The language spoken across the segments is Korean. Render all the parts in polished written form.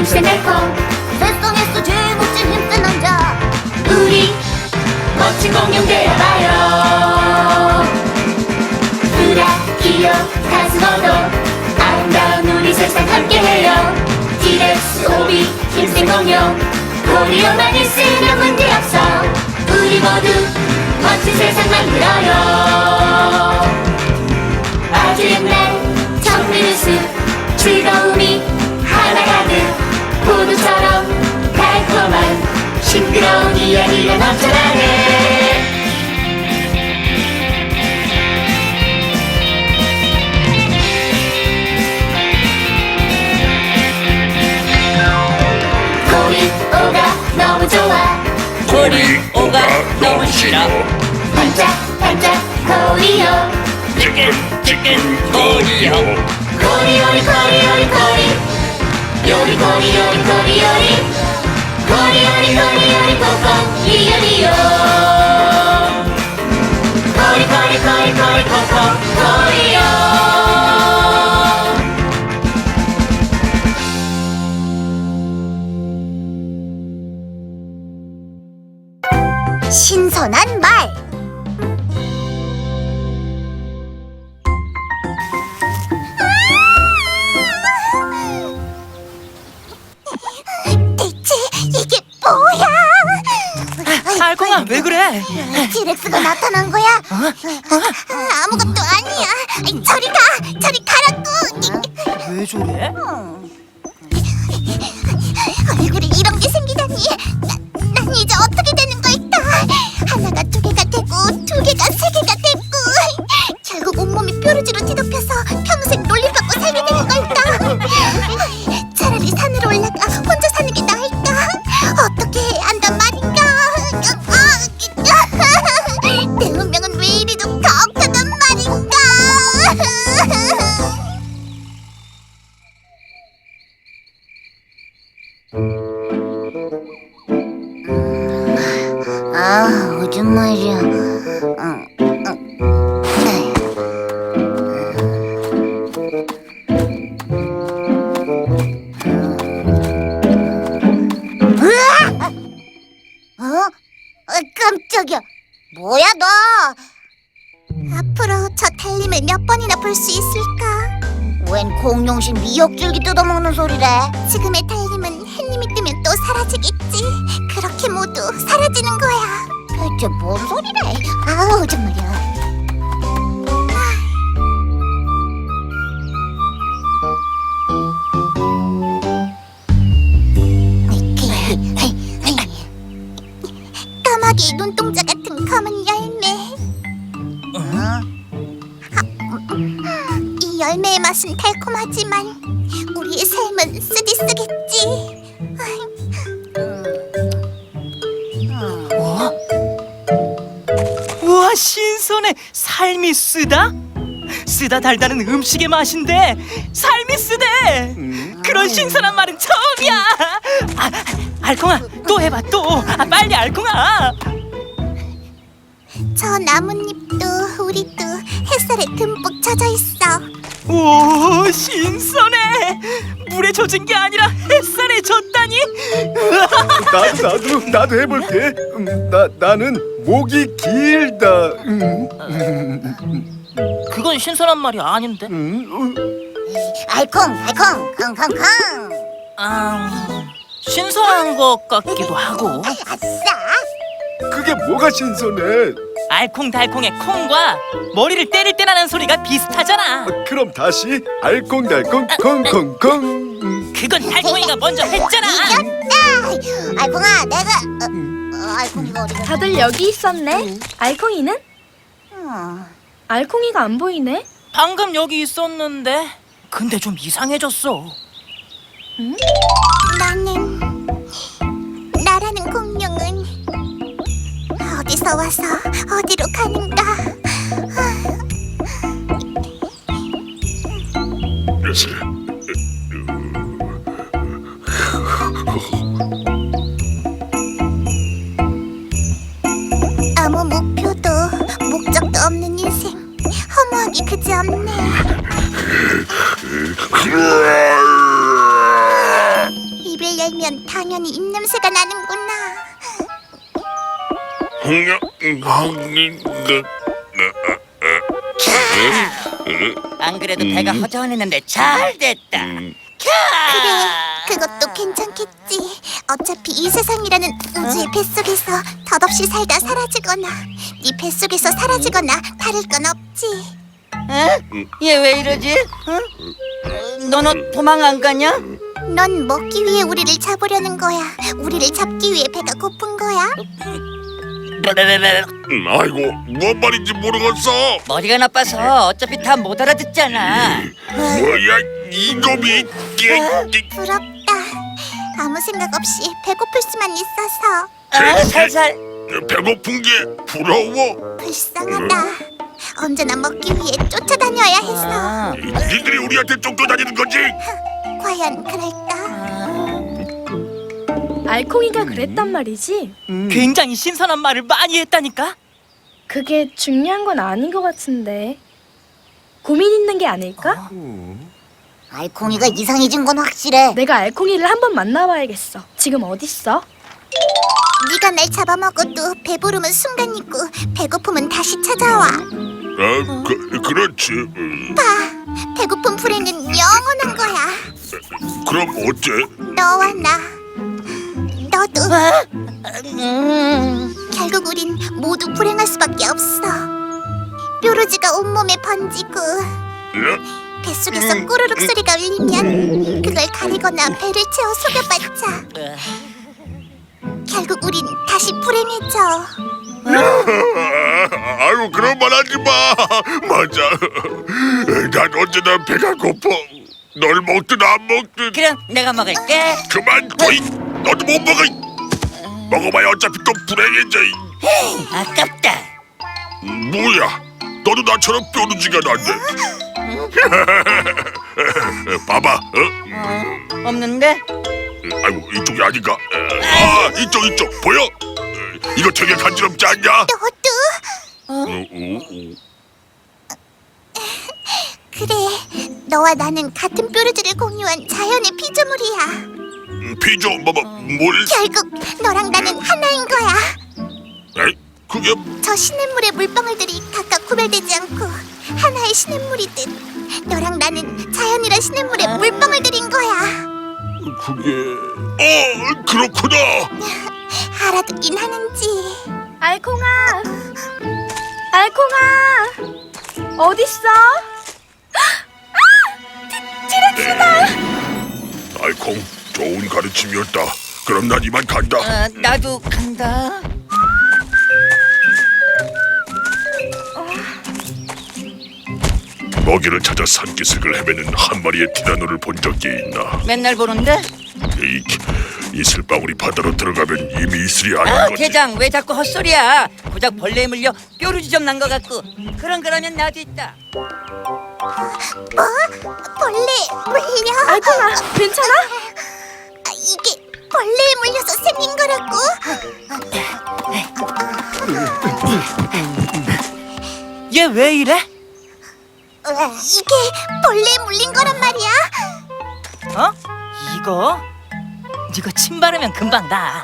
힘센 달콤 세상에서 제일 멋진 힘센 남자 우리 멋진 공룡 되어봐요. 브라키오 가스모도 아름다운 우리 세상 함께해요. 티렉스 오비 힘센 공룡 코리오만 있으면 문제없어. 우리 모두 멋진 세상 만들어요. 아주 옛날 정리는 숲 즐거움이 하나 가득 포도처럼 달콤한 싱그러운 이야기가 넘쳐나네. 코리오가 너무 좋아. 코리오가 너무 싫어. 반짝반짝 코리오 치킨 코리오. 코리오리 코리오리 코리 요리 코리오리 코리오리 코리오리 코리오리 코코 리오리오 코리 코리 코리 코리 코코 코리오. 신선한 말 대체 이게 뭐야? 알콩아, 왜 그래? 티렉스가 나타난 거야? 아무것도 아니야. 저리 가! 저리 가라고! 왜 저래? 얼굴에 이런 게 생기다니. 난 이제 어떻게 되는 걸까? 하나가 두 개가 되고 두 개가 세 개가 되고 결국 온몸이 뾰루지로 뒤덮여서 평생 놀림받고 살게 되는 걸까? 차라리 산으로 올라가 혼자 사는 게 나을까? 어떻게 해야 한단 말인가? 내 운명은 왜 이리도 가혹하단 말인가? 요즘 말이야. 깜짝이야. 뭐야 너? 앞으로 저 달림을 몇 번이나 볼 수 있을까? 웬 공룡신 미역줄기 뜯어먹는 소리래? 지금의 달림은 햇님이 뜨면 또 사라지겠지. 그렇게 모두 사라지는 거야. 대체 뭔 소리래? 아우 정말이야. 까마귀 눈동자 같은 검은 열매. 이 열매의 맛은 달콤하지만 우리의 삶은 쓰디쓰겠지. 우와, 신선해. 삶이 쓰다? 쓰다 달다는 음식의 맛인데 삶이 쓰대. 그런 신선한 말은 처음이야. 알콩아, 또 해봐 또. 빨리 알콩아. 저 나뭇잎도 우리도 햇살에 듬뿍 젖어 있어. 오, 신선해. 물에 젖은 게 아니라 햇살에 젖다니. 나도 해볼게. 나는 목이 길다. 그건 신선한 말이 아닌데. 알콩 康. 신선한 것 같기도 하고. 아싸. 그게 뭐가 신선해? 알콩달콩의 콩과 머리를 때릴 때 나는 소리가 비슷하잖아. 그럼 다시 알콩달콩 콩콩콩. 그건 달콩이가 먼저 했잖아. 이겼다. 알콩아 내가 알콩이가 어디 갔어? 다들 여기 있었네. 알콩이는? 알콩이가 안 보이네. 방금 여기 있었는데 근데 좀 이상해졌어. 나라는 공룡은 어디서 와서 어디로 가는가? 아무 목표도 목적도 없는 인생 허무하기 그지없네. 입에 열면 당연히 입냄새가 나는구나. 안 그래도 배가 허전했는데 잘 됐다. 그래, 그것도 괜찮겠지. 어차피 이 세상이라는 우주의 뱃속에서 덧없이 살다 사라지거나 네 뱃속에서 사라지거나 다를 건 없지. 얘 왜 이러지? 응? 너는 도망 안 가냐? 넌 먹기 위해 우리를 잡으려는 거야. 우리를 잡기 위해 배가 고픈 거야. 아이고 뭔 말인지 모르겠어. 머리가 나빠서 어차피 다 못 알아듣잖아. 뭐야 이놈이. 부럽다. 아무 생각 없이 배고플 수만 있어서 살살. 배고픈 게 부러워. 불쌍하다. 언제나 먹기 위해 쫓아다녀야 해서. 니들이 우리한테 쫓겨다니는 거지? 과연 그럴까? 알콩이가 그랬단 말이지. 굉장히 신선한 말을 많이 했다니까. 그게 중요한 건 아닌 것 같은데. 고민 있는 게 아닐까? 알콩이가 이상해진 건 확실해. 내가 알콩이를 한번 만나봐야겠어. 지금 어딨어? 네가 날 잡아먹어도 배부름은 순간이고 배고픔은 다시 찾아와. 그렇지. 봐, 배고픈 불행은 영원한 거야. 그럼 어째? 너와 나, 너도. 결국 우린 모두 불행할 수밖에 없어. 뾰루지가 온몸에 번지고 뱃속에서 꾸르륵 소리가 울리면 그걸 가리거나 배를 채워 속여받자. 결국 우린 다시 불행해져. 아유 그런 말 하지 마. 맞아. 난 언제나 배가 고파. 널 먹든 안 먹든. 그럼 내가 먹을게. 그만 거이. 너도 못 먹어. 먹어봐야 어차피 또 불행해져. 아깝다. 뭐야? 너도 나처럼 뾰루지가 났네. 봐봐. 없는데? 아이고 이쪽이 아닌가? 아 이쪽 보여? 이거 되게 간지럽지 않냐? 너도? 그래, 너와 나는 같은 뾰루지를 공유한 자연의 피조물이야. 피조 뭘? 결국 너랑 나는 하나인 거야. 에이, 그게 저 시냇물의 물방울들이 각각 구별되지 않고 하나의 시냇물이듯 너랑 나는 자연이란 시냇물의 물방울들인 거야. 그게 그렇구나. 알아듣긴 하는지. 알콩아! 알콩아! 어딨어? 알콩 좋은 가르침이었다. 그럼 난 이만 간다. 나도 간다. 먹이를 찾아 산기슭을 헤매는 한 마리의 티라노를 본 적이 있나? 맨날 보는데? 이 이슬방울이 바다로 들어가면 이미 이슬이 아닌 거지. 대장 왜 자꾸 헛소리야? 고작 벌레에 물려 뾰루지 좀 난 것 같고. 그러면 나도 있다. 뭐? 벌레 물려? 알콩아, 괜찮아? 이게 벌레에 물려서 생긴 거라고? 얘 왜 이래? 이게 벌레에 물린 거란 말이야? 어? 이거? 이거 침 바르면 금방 나.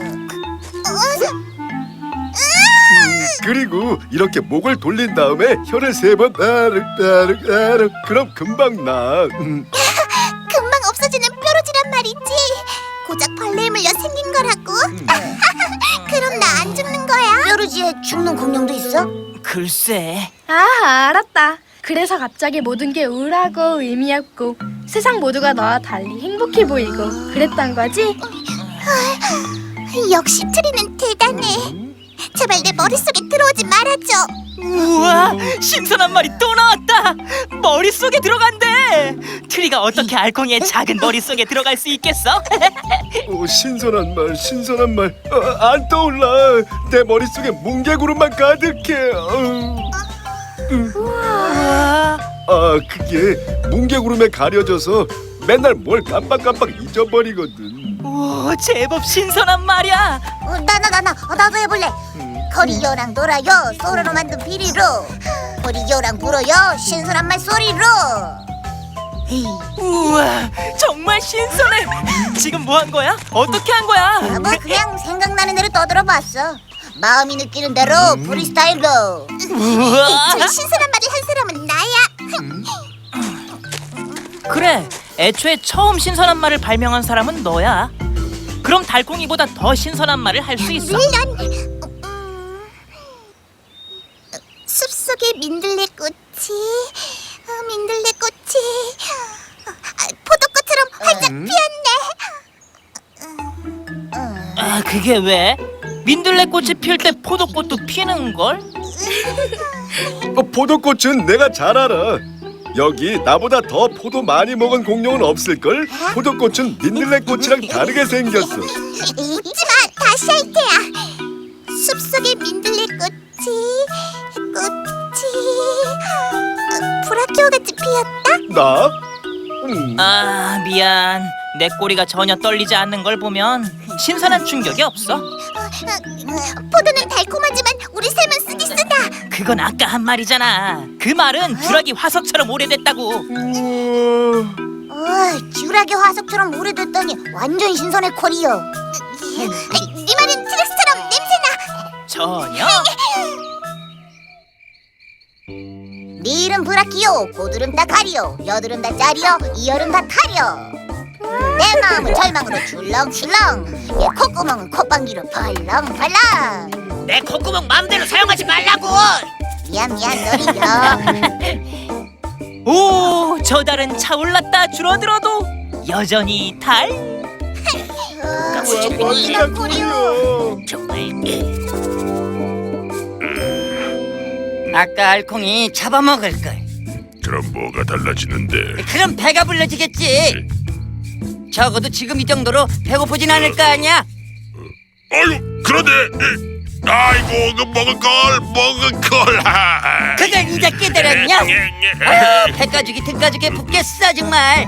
그리고 이렇게 목을 돌린 다음에 혀를 3번 따르따르따르 그럼 금방 나. 금방 없어지는 뾰루지란 말이지. 고작 벌레에 물려 생긴 거라고? 그럼 나 안 죽는 거야? 뾰루지에 죽는 공룡도 있어? 글쎄. 아, 알았다. 그래서 갑자기 모든 게 우울하고 의미 없고 세상 모두가 너와 달리 행복해 보이고 그랬던 거지? 역시 트리는 대단해. 제발 내 머릿속에 들어오지 말아줘. 우와, 신선한 말이 또 나왔다. 머릿속에 들어간대. 트리가 어떻게 알콩이의 작은 머릿속에 들어갈 수 있겠어? 신선한 말. 안 떠올라. 내 머릿속에 뭉게구름만 가득해. 우와. 그게 뭉게구름에 가려져서 맨날 뭘 깜빡깜빡 잊어버리거든. 우와, 제법 신선한 말이야. 나도 해볼래. 거리요랑 놀아요, 소로로 만든 비리로. 거리요랑 불어요, 신선한 말 소리로. 우와, 정말 신선해. 지금 뭐 한 거야? 어떻게 한 거야? 뭐 그냥 생각나는 대로 떠들어봤어. 마음이 느끼는 대로 프리스타일로. 우와. 제일 신선한 말을 한 사람은 나야. 그래, 애초에 처음 신선한 말을 발명한 사람은 너야. 그럼 달콩이보다 더 신선한 말을 할 수 있어. 물론 숲속의 민들레꽃이 포도꽃처럼 활짝 피었네. 아, 그게 왜? 민들레꽃이 필 때 포도꽃도 피는 걸? 포도꽃은 내가 잘 알아. 여기 나보다 더 포도 많이 먹은 공룡은 없을걸? 포도꽃은 민들레꽃이랑 다르게 생겼어. 잊지마, 다시 할 테야. 숲속의 민들레꽃이 브라키오 같이 피었다. 나? 아, 미안. 내 꼬리가 전혀 떨리지 않는 걸 보면 신선한 충격이 없어. 포도는 달콤하지만 우리 셈은 쓰기 쓰다. 그건 아까 한 말이잖아. 그 말은 듀라기 화석처럼 오래됐다고. 듀라기 화석처럼 오래됐더니 완전 신선해 콜이요. 네 말은 트렉스처럼 냄새나. 전혀. 네 이름 브라키오, 고드름 다 가리오, 여드름 다 짜리오, 이여름 다 타리오. 내 마음은 절망으로 출렁출렁, 내 콧구멍은 콧방귀로 벌렁벌렁. 내 콧구멍 마음대로 사용하지 말라고. 미안 너리려. 오, 저 달은 차올랐다 줄어들어도 여전히 달. 이런 콜이요. 정말. 아까 알콩이 잡아먹을 걸. 그럼 뭐가 달라지는데? 그럼 배가 불러지겠지. 적어도 지금 이 정도로 배고프진 않을 거 아니야. 아유, 그런데 아이고, 그 먹을 걸. 그걸 이제 깨달았냐? 배가죽이 등가죽에 붙겠어 정말.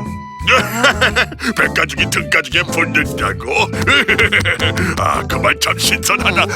배가죽이 등가죽에 붙는다고? 아, 그 말 참 신선하다.